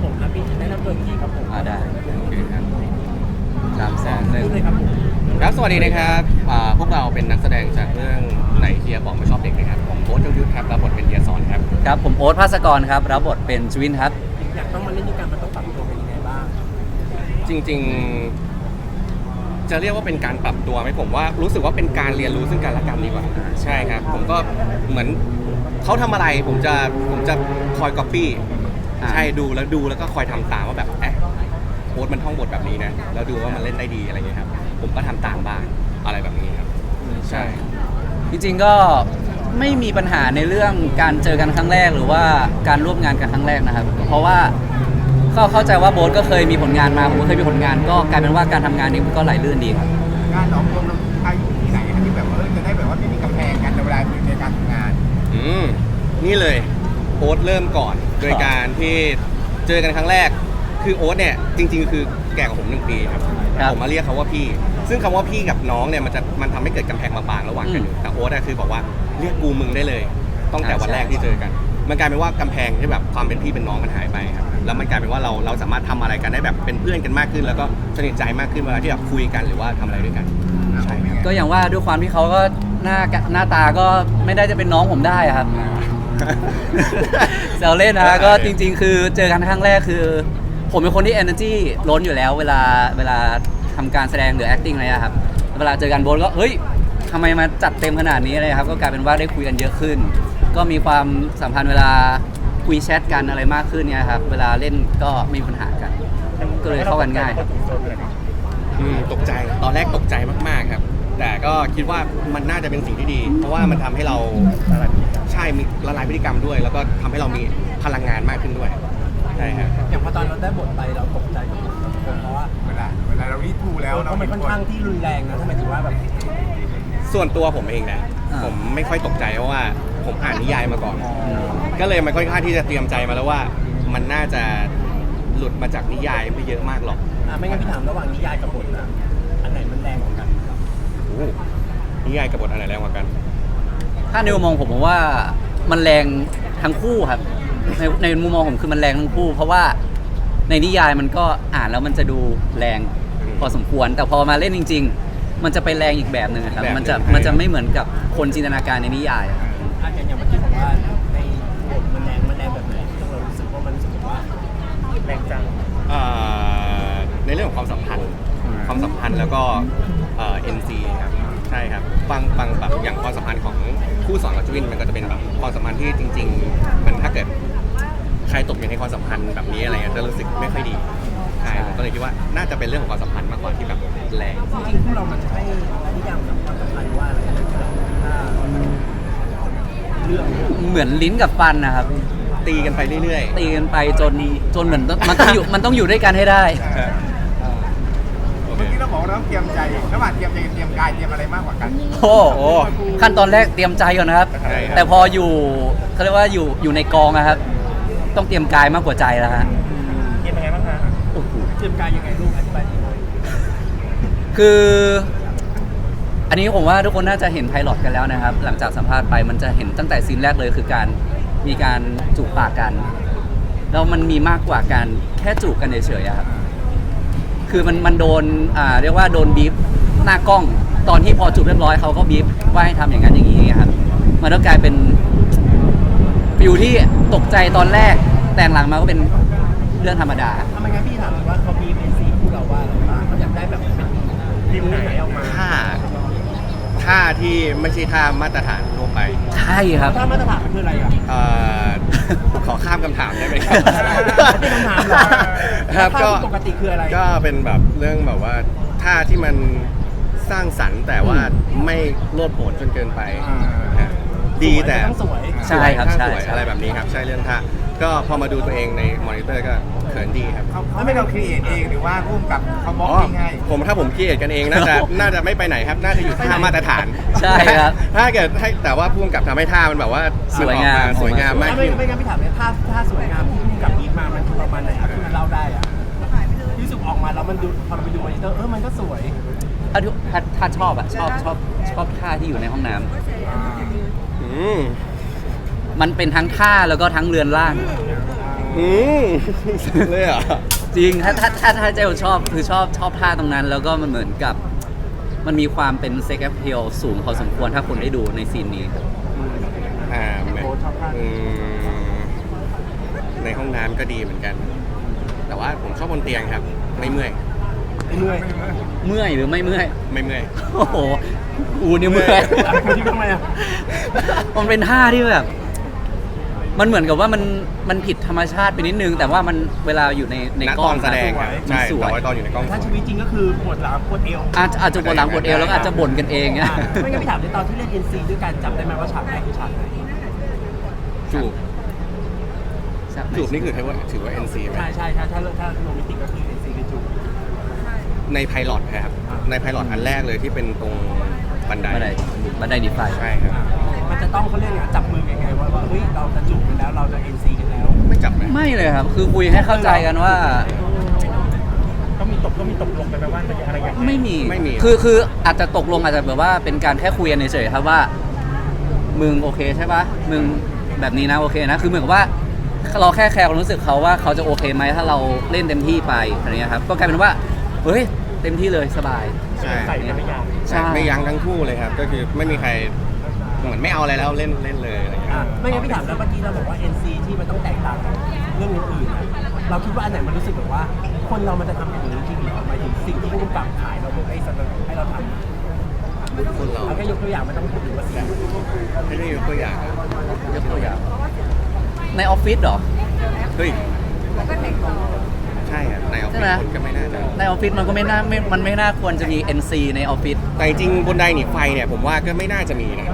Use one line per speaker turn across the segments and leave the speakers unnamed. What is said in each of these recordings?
ผมครับพี่แนะนำตัวทีครับผม
ได้
โอเคครับ
300,000
พูดเลยครับผม
ครับสวัสดีนะครับพวกเราเป็นนักแสดงจากเรื่องไหนเฮียบอกไม่ชอบเด็กนะครับผมโบ๊ทยงยุทธครับรับบทเป็นเฮียสอนครับ
ครับผมโอ๊ตภาสกรครับรับบทเป็นชวินครับ
อยากต้องมาเล่นด้วยกันมันต้องปรับตัวเป็นยังไงบ้าง
จริงๆ จะเรียกว่าเป็นการปรับตัวไหมผมว่ารู้สึกว่าเป็นการเรียนรู้ซึ่งกันและกันดีกว่าใช่ครับผมก็เหมือนเขาทำอะไรผมจะคอยก๊อปปี้ใช่ดูแล้วก็คอยทำตามว่าแบบโค้ดมันท่องบทแบบนี้นะแล้วดูว่ามันเล่นได้ดีอะไรเงี้ยครับผมก็ทำตามบ้างอะไรแบบนี้ครับใช่
จริงๆก็ไม่มีปัญหาในเรื่องการเจอกันครั้งแรกหรือว่าการร่วมงานกันครั้งแรกนะครับ เพราะว่าเข้าใจว่าโบ๊ทก็เคยมีผลงานมาผมก็เคยมีผลงานก็กลายเป็นว่าการทำงานนี้มันก็ไหลลื่นดีครับ
งานหลอกลวงเราใช้อยู่ที่ไหนครับที่แบบว่าจะได้แบบว่าไม่มีกำแพงกันในเวลาในการทำงาน
นี่เลยโอ๊ตเริ่มก่อนโดยการที่เจอกันครั้งแรกคือโอ๊ตเนี่ยจริงๆคือแก่กว่าผม1 ปีครับผมมาเรียกเขาว่าพี่ซึ่งคำว่าพี่กับน้องเนี่ยมันทำให้เกิดกำแพงบางๆระหว่างกันอยู่แต่โอ๊ตคือบอกว่าเรียกกูมึงได้เลยตั้งแต่วันแรกที่เจอกันมันกลายเป็นว่ากำแพงที่แบบความเป็นพี่เป็นน้องมันหายไปครับแล้วมันกลายเป็นว่าเราสามารถทำอะไรกันได้แบบเป็นเพื่อนกันมากขึ้น แล้วก็สนิทใจมากขึ้นเวลาที่แบบคุยกันหรือว่าทำอะไรด้วยกันใช่ครับ
ก็อย่างว่าด้วยความที่เขาก็หน้าตาก็ไม่ได้จะเป็นน้องผมได้อะครับ แซวเล่นนะก็จริงๆ คือเจอกันครั้งแรกคือ ผมเป็นคนที่ energy ล้นอยู่แล้วเวลาทำการแสดงหรือ acting อะไรอะครับเวลาเจอกันโบ๊ทก็เฮ้ยทำไมมาจัดเต็มขนาดนี้อะไรครับก็กลายเป็นว่าได้คุยกันเยอะขึ้น ก็มีความสัมพันธ์เวลาคุยแชทกันอะไรมากขึ้นเนี่ยครับเวลาเล่นก็ไม่มีปัญหากัน ก็เลยเข้ากันง่าย
ตกใจตอนแรกตกใจมากๆครับแต่ก็คิดว่ามันน่าจะเป็นสิ่งที่ดี เพราะว่ามันทำให้เราใช่มีละลายพฤติกรรมด้วย แล้วก็ทำให้เรามีพลังงานมากขึ้นด้วยใช่ครับ
อย่างพอตอนเราได้บทไปเราตกใจกับผมเพราะว่า
เวลาเรารีทูแล้ว
เพราะมันค่อนข้างที่รุนแรงนะทำไมถึงว่าแบบ
ส่วนตัวผมเองนะ
อ่า
ผมไม่ค่อยตกใจเพราะว่าผมอ่านนิยายมาก่อน ก็เลยมันค่อนข้างที่จะเตรียมใจมาแล้วว่ามันน่าจะหลุดมาจากนิยายไม่เยอะมากหรอก
ไม่งั้นพี่ถามระหว่างนิยายกับบทนะอันไหนมันแรงกว่ากัน
โอ้นิยายกับบทอะไรแรงกว่ากัน
ถ้าในมุมมองผมว่ามันแรงทั้งคู่ครับในมุมมองผมคือมันแรงทั้งคู่ เพราะว่าในนิยายมันก็อ่านแล้วมันจะดูแรงพอสมควร แต่พอมาเล่นจริง ๆ มันจะไปแรงอีกแบบหนึ่งครับมันจะไม่เหมือนกับคนจินตนาการในนิยายอะครับ
อย่างเมื่อกี้ผมว่าในบทมันแรงแบบไหนที่เรารู้สึกว่ามันรู้สึกว่าแรงจัง
ในเรื่องของความสัมพันธ์แล้วก็NC ครับใช่ครับบางแบบอย่างความสัมพันธ์ของคู่สอนกับจวินมันก็จะเป็นแบบความสัมพันธ์ที่จริงๆมันถ้าเกิดใครตกอยู่ในความสัมพันธ์แบบนี้อะไรเงี้ยจะรู้สึกไม่ค่อยดีใช่ผมก็เลยคิดว่าน่าจะเป็นเรื่องของความสัมพันธ์มากกว่าที่แบบแรง
จริงๆพวกเรามันจะให้นิยามกับความสัมพันธ์ว่าอะไรถ้าเรื่อง
เหมือนลิ้นกับฟันนะครับ
ตีกันไปเรื่อย
ตีกันไปจนเหมือนมันต้องอยู่ด้วยกันให้ได้
ๆโอเค
เมื่อกี้เราบอกว่าเราต้องเตรียมใจระหว่างเตรียมใจเตรียมกายเตรียมอะไรมากกว่ากัน
โอ้โหขั้นตอนแรกเตรียมใจก่อนนะครับ
ใช่ครับ
แต่พออยู่เขาเรียกว่าอยู่ในกองนะครับ ต้องเตรียมกายมากกว่าใจแล้วฮะ
เตรียมยังไงบ้างคะเตรียมกายยังไงลูกอธิบายทีหน่อย
คือ อันนี้ผมว่าทุกคนน่าจะเห็นไพลอตกันแล้วนะครับ หลังจากสัมภาษณ์ไปมันจะเห็นตั้งแต่ซีนแรกเลยคือการมีการจูบปากกันแล้วมันมีมากกว่าการแค่จูบกันเฉยๆอะครับคือมันโดนเรียกว่าโดนบีบหน้ากล้องตอนที่พอจูบเรียบร้อยเขาก็บีบว่าให้ทำอย่างนั้นอย่างนี้ครับมันก็กลายเป็นฟิวที่ตกใจตอนแรกแต่หลังมาก็เป็นเรื่องธรรมดา
ถ้าไม่งั้นพี่ถามว่าเขามีเป็นสีคู่เราว่าอะไรบ้างเขาอยากได้แบบเป็นทีมไหนออกมา
ท่าที่ไม่ใช่ท่ามาตรฐานทั่วไป
ใช่ครับ
ถ้ามาตรฐานมันคืออะไรอ่ะ
ขอข้ามคำถามได้ไหมครับ
ไม่ต้องถามหรอก
ครับก็
ปกติคืออะไร
ก็เป็นแบบเรื่องแบบว่าท่าที่มันสร้างสรรค์แต่ว่าไม่โลดโผนจนเกินไปฮะดีแต่
ต้องสวย
ใช่ครับ
ท่า
ใช่
สวย
ใช่
อะไรแบบนี้ครับใช่เรื่องท่าก็พอมาดูตัวเองในมอนิเตอร์ก็เขินดีครับ
เขาไม่เราครีเอทเองหรือว่าร่วมกับเขาบล็อกยังไง
ถ้าผมคิดกันเองน่าจะไม่ไปไหนครับน่าจะอยู่ท่ามาตรฐาน
ใช่ครับ
ถ้าเกิดให้แต่ว่าพุ่มกับทำให้ท่ามันแบบว่า
สวยงาม
นออกสวยงามมาก
ไม่
ขึ้น
ไม่งั้นพี่ถามเนี่ยถ้าสวยงามที่พุ่งกับอีฟมามันคือประมาณไหนครับที่มันเล่าได้อ่ะที่รู้สึกออกมาแล้วมันดูพอเราไปดูมอนิเตอร์มันก็สวย
ถ้าชอบอะชอบท่าที่อยู่ในห้องน้ำ
อืม
มันเป็นทั้งท่าแล้วก็ทั้งเรือนร่าง
ออืมเลยเหรอ
จริงถ้าเจลชอบคือชอบท่าตรงนั้น แล้วก็มันเหมือนกับมันมีความเป็นเซ็กแอพเพลสูงพอสมควรถ้าคุณได้ดูในซีนนี้
แม่ในห้องน้ำก็ดีเหมือนกัน แต่ว่าผมชอบบนเตียงครับ ไม่เมื่อย
เมื่อย
เมื่อยหรือไม่เมื่อย
ไม่เมื่อย
โอ้โหอูนี่เมื่อย
คุณคิดว่าทำไมอ่ะ
มันเป็นท่าที่แบบ มันเหมือนกับว่ามันผิดธรรมชาติไปนิดนึง แต่ว่ามันเวลาอยู่ใน
ณ
กล้
ต
อ
อง นแสดงครับ
มัน
ใช่
สวย
แต่ว่าตอนอยู่ในกล้อง
ถ้าชีวิตจริงก็คือปวดหลังปวดเอว
อาจจะปวดหลังปวดเอวแล้วก็อาจจะบ่นกันเองเนี่ย
ไม่งั้นพี่ถามในตอนที่เล่น NC ด้วยกันจำได้ไหมว่าฉากแรกคือฉากไหน
จูบจูบนี่คือถือว่า NC ไหม
ใช่ถ้าโรแมนติกก็คือ NC คือจูบ
ในไพลอตครับ ในไพลอตอันแรกเลยที่เป็นตรงบันได
บันไดดีไฟ
ใช่ครับ
มันจะต้องเขาเรียกไงจับมือยังไงว่าเฮ้ยเราจะจูบกันแล้วเราจะ NC กันแล้ว
ไม่จับไหม
ไม่เลยครับ คือคุยให้เข้าใจกันว่า
ก็มีตกลงไปว่าจะอะไรอย่าง
ไม่มี
ไม่มี
คืออาจจะตกลงอาจจะแบบว่าเป็นการแค่คุยกันเฉยๆครับว่า มึงโอเคใช่ปะมึงแบบนี้นะโอเคนะคือเหมือนกับว่าเราแค่แคร์ความรู้สึกเขาว่าเขาจะโอเคไหมถ้าเราเล่นเต็มที่ไปอะไรเงี้ยครับก็กลายเป็นว่าเฮ้ยเต็มที่เลยสบาย
ใช่
ใส่ไม่ยาก
ใช่
ไม่ยั้งทั้งคู่เลยครับ ก็คือไม่มีใครเหมือนไม่เอาอะไรแล้วเล่นเลยอะไรอย่างเงี้ย
ไม่งั้นพี่ถามแล้วเมื่อกี้เราบอกว่า NC ที่มันต้องแตกต่างจากเรื่องอื่นๆนะเราคิดว่าอันไหนมันรู้สึกแบบว่า คนเรามันจะทำอย่างนี้จริงเหรอหมายถึงสิ่งที่ผู้กำกับขายเราให้สนับให้เราทำ
คนเรา
เอาแค่ยกตัวอย่างไม่ต้องพูดถึงว่าสิ่ง
ไม่ได้ยกตัวอย่างอะ
ยกตัวอย่างในออฟฟิศเหรอ
เฮ้ยใช่ครับในออฟ
ใช่
ฟิ
ไหม
ศคนก็ไม่น่าจะ
ในออฟฟิศมันก็มันไม่น่าควรจะมี NC ในออฟฟิศ
แต่จริงๆบนไดหนีไฟเนี่ยผมว่าก็ไม่น่าจะมีนะ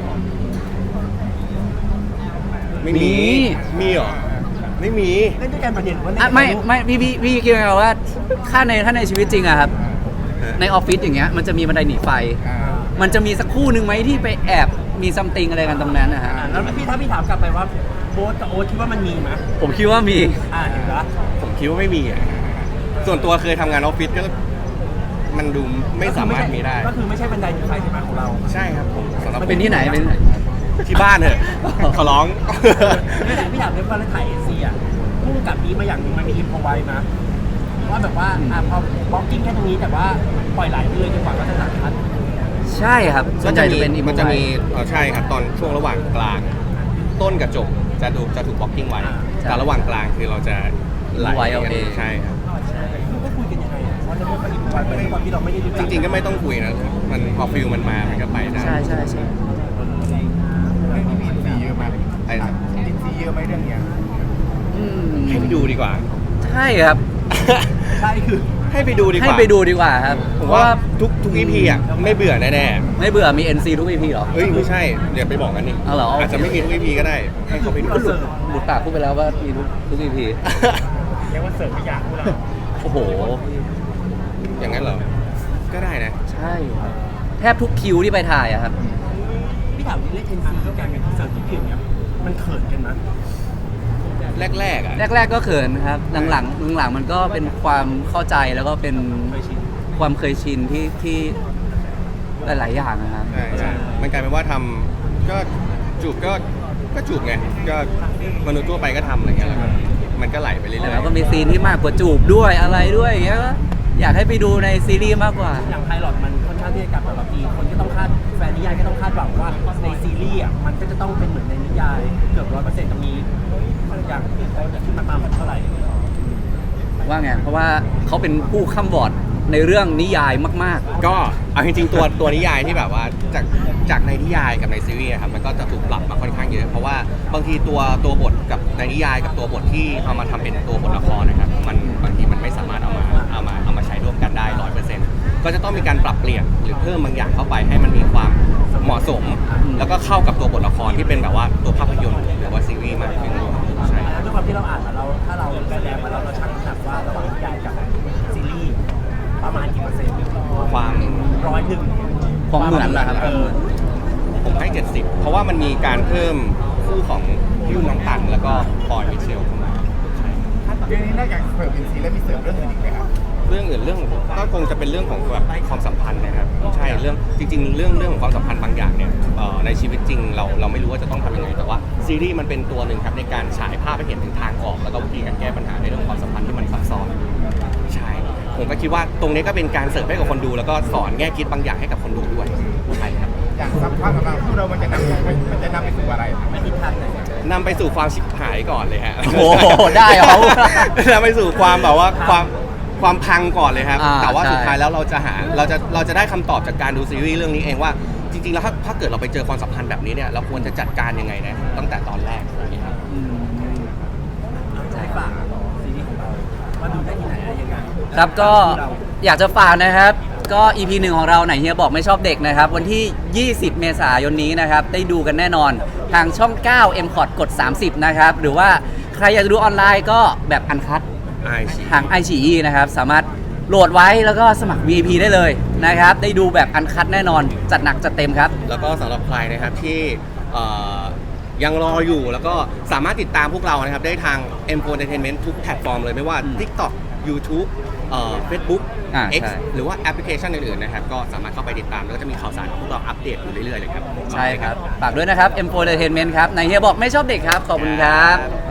ไม่มีมีเหรอไม่มี
เล่นด้วยกันประเด็นว่า
อ่ะไม่พี่คิดไงว่าถ้าในชีวิตจริงอะครับในออฟฟิศอย่างเงี้ยมันจะมีบันไดหนีไฟ มันจะมีสักคู่หนึ่งไหมที่ไปแอบมีซัมติงอะไรกันตรงนั้นนะฮะ
แล้วถ้าพี่ถามกลับไปว่าโบ๊ทกับโอ๊ตคิดว่ามันมีไหม
ผมคิดว่ามี
เห็นปะ
ผมคิดว่าไม่มีอ่ะส่วนตัวเคยทำงานออฟฟิศก็มันดูไม่สามารถมีได้
ก็คือไม่ใช่บันไดหนีไฟใช่ไหมของเรา
ใช่ครับผมสำหรับ
เป็นที่ไหนเป็นที่ไหน
ที่บ้านเถอะขอร้อง
พี่ถามเรื่องว่าถ่าย NC อ่ะพุ่งกับนี้มาอย่างนึงมันมีอินพอไว้นะว่าแบบว่าพอบล็อกกิ้งแค่ตรงนี้แต่ว่าปล่อยไหลไปเลยจนกว่าก็จะหนักคัด
ใช่ครับส่วนใหญ่จะเป็น
มันจะมีใช่ครับตอนช่วงระหว่างกลาง ต้นกับจบจะถูกบล็อกกิ้งไว้แต่ระหว่างกลางคือเราจะไหล
ไว้เอาเอง
ใช่ครับ
ก็คุยกันยังไงว่าจะไม่อินพอไว้เป็นความที่เราไม่ได้รู้
จริงๆก็ไม่ต้องคุยนะมันพอฟิลมันมามันก็ไปได้
ใช่
เรื่องนี้มีอินซีเยอะไหมอินซีเยอะไหมเรื่องเนี้ย
อืม
ให้ไปดูดีกว่า
ใช่ครับ
ใช่คือ
ให้ไปดูดีกว่า
ให้ไปดูดีกว่าครับ
ผม
เพราะ
ว่า
ว่า
ทุก EP อ่ะไม่เบื่อแน่
ไม่เบื่อมี NC ทุก EP เหรอ
ๆเฮ้ยไม่ใช่เดี๋ยวไปบอกกันนี่
เอาเหรอ
อาจจะไม่มีทุก EP ก็ได้ให้เขาไปดู
ก็หลุดปากพูดไปแล้วว่ามีทุก EP
เรียกว่าเสริมไม่อยากพูดเรา
โอ้โห
อย่างนั้นเหรอก็ได้นะ
ใช่ครับแทบทุกคิวที่ไปถ่ายอะครับ
พี่ถามเล่น NC ก็การเป็นเสริมที่เก่งเนี่ยมันเขินกันนะ
แรกๆอ่ะ
แรกๆก็เขินครับ หลังๆมันก็เป็นความเข้าใจแล้วก็เป็น
เคยชิน
ความเคยชินที่หลายๆอย่างนะครับ
ใช่มันกลายเป็นว่าทำก็จูบก็จูบไงก็มนุษย์ทั่วไปก็ทำอะไรเงี้ยแล้วก็มันก็ไหลไปเรื่อย
แล้วก็มีซีนที่มากกว่าจูบด้วยอะไรด้วยอย่างเงี้ยก็อยากให้ไปดูในซีรีส์มากกว่า
อย่างไพลอตมันค่อนข้างที่จะกลับแบบทีคนก็ต้องคาดแฟนนิยายก็ต้องคาดหวังว่าในซีรีส์อ่ะมันก็จะต้องเป็นเหมือนในนิยายเกือบ100%ตรงนี้อย่างเขาจะขึ้นมาประมาณเท่าไหร่
ว่าไง เพราะว่าเขาเป็นผู้ค้ำบอร์ดในเรื่องนิยายมาก
ๆก็เอาจริงๆตัวนิยายที่แบบว่าจากในนิยายกับในซีรีส์ครับมันก็จะถูกปรับมาค่อนข้างเยอะเพราะว่าบางทีตัวบทกับในนิยายกับตัวบทที่เอามาทำเป็นตัวบทละครนะครับมันบางทีมันไม่สามารถเอามาใช้ร่วมกันได้ 100%ก็จะต้องมีการปรับเปลี่ยนหรือเพิ่มบางอย่างเข้าไปให้มันมีความเหมาะสม แล้วก็เข้ากับตัวบทละครที่เป็นแบบว่าตัวภาพยนตร์หรือว่าซีรีส์มากขึ้นใช่
ด้วยความที่เราอ่านมาเราถ้าเราแสดงมาแล้วเราชั่งน้ำหนักว่าระหว่างนิยายกับซีรีส์ประมาณกี่เปอร์เซ็นต์
ความ
101
ๆ ของเหมือนนะครับ
ผมให้ 70 เพราะว่ามันมีการเพิ่มคู่ของพี่ยุ่นน้องตันแล้วก็ปอยมิเชลเข้ามา
เรื่องนี้นอกจากเสิร์ฟอินซีแล้วมีเสิร์ฟเรื่องอื่นอีกไหมครับ
เรื่องอื่นเรื่องก็คงจะเป็นเรื่องของแบบความสัมพันธ์นะครับใช่เรื่องจริงๆเรื่องของความสัมพันธ์บางอย่างเนี่ยในชีวิตจริงเราไม่รู้ว่าจะต้องทำยังไงแต่ว่าซีรีส์มันเป็นตัวหนึ่งครับในการฉายภาพให้เห็นถึงทางออกแล้วก็วิธีการแก้ปัญหาในเรื่องความสัมพันธ์ที่มันซับซ้อนใช่ผมก็คิดว่าตรงนี้ก็เป็นการเสิร์ฟให้กับคนดูแล้วก็สอนแง่คิดบางอย่างให้กับคนดูด้วยใช่ครับ
อย่างสัมภาษณ์ของเราคู่เรามันจะนำไปสู่อะไร
ไม่ทิศทางไหน
นำไปสู่ความชิบหายก่อนเลยฮะ
โอ้โหได้เหรอ
นำไปสู่ความแบบว่าความพังก่อนเลยครับ แต่ว่า
ใช่
สุดท้ายแล้วเราจะได้คำตอบจากการดูซีรีส์เรื่องนี้เองว่าจริงๆแล้วถ้าเกิดเราไปเจอความสัมพันธ์แบบนี้เนี่ยเราควรจะจัดการยังไงนะตั้งแต่ตอนแรกอย่างเงี้ยครับ
ให้ฝากซีรีส์ของเราว่าดูได้ที่ไหนอะไรยังไง
ครับก็อยากจะฝากนะครับก็ EP 1ของเราไหนเฮียบอกไม่ชอบเด็กนะครับวันที่ 20 เมษายนนี้นะครับได้ดูกันแน่นอนทางช่อง 9 m c o t กด 30 นะครับหรือว่าใครอยากจะดูออนไลน์ก็แบบอันคัททาง iQIYI นะครับสามารถโหลดไว้แล้วก็สมัคร VIP ได้เลยนะครับได้ดูแบบอันคัทแน่นอนจัดหนักจัดเต็มครับ
แล้วก็สำหรับใครนะครับที่ยังรออยู่แล้วก็สามารถติดตามพวกเรานะครับได้ทาง M4 Entertainment ทุกแพลตฟอร์มเลยไม่ว่า TikTok YouTube Facebook X
ใช่
หรือว่าแอปพลิเคชันอื่นๆนะครับก็สามารถเข้าไปติดตามแล้วก็จะมีข่าวสารของพวกเราอัปเดตอยู่เรื่อยๆเลยครับ
ใช่ครับฝากด้วยนะครับ M4 Entertainment ครับไหนเฮียบอกไม่ชอบเด็กครับขอบคุณครับ